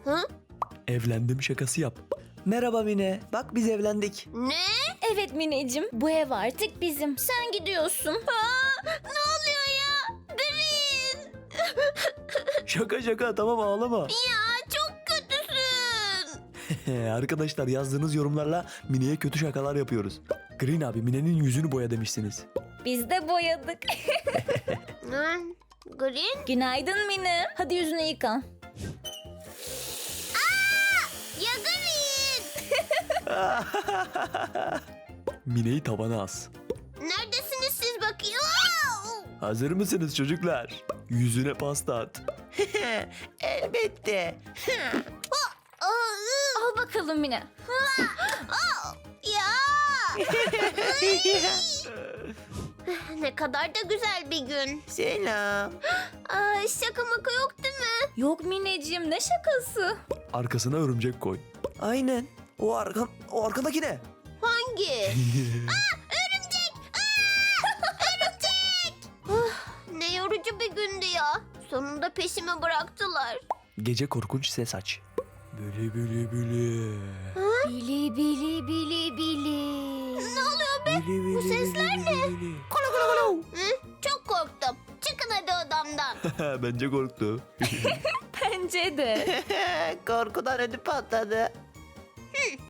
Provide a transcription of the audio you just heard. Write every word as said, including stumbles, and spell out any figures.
Hı? Evlendim şakası yap. Merhaba Mine. Bak biz evlendik. Ne? Evet Mineciğim, bu ev artık bizim. Sen gidiyorsun. Aa, ne oluyor ya? Green. Şaka şaka tamam ağlama. Ya çok kötüsün. Arkadaşlar yazdığınız yorumlarla Mine'ye kötü şakalar yapıyoruz. Green abi Mine'nin yüzünü boya demişsiniz. Biz de boyadık. Hı? Green? Günaydın Mine. Hadi yüzünü yıka. Ya Green. Mine'yi tavana as. Neredesiniz siz bakayım? Aa! Hazır mısınız çocuklar? Yüzüne pasta at. Elbette. Aa, ıı, Al bakalım Mine. Ya. Ne kadar da güzel bir gün. Selam. Aa, şaka maka yok değil mi? Yok Mineciğim, ne şakası? Arkasına örümcek koy. Aynen. O arka, o arkadaki ne? Hangi? Ne yorucu bir gündü ya. Sonunda peşimi bıraktılar. Gece korkunç ses aç. Bülü bülü bülü. Bili bili bili bili. Bu sesler ne? Hı? Çok korktum. Çıkın hadi odamdan. Bence korktu. Bence de. Korkudan ödü patladı.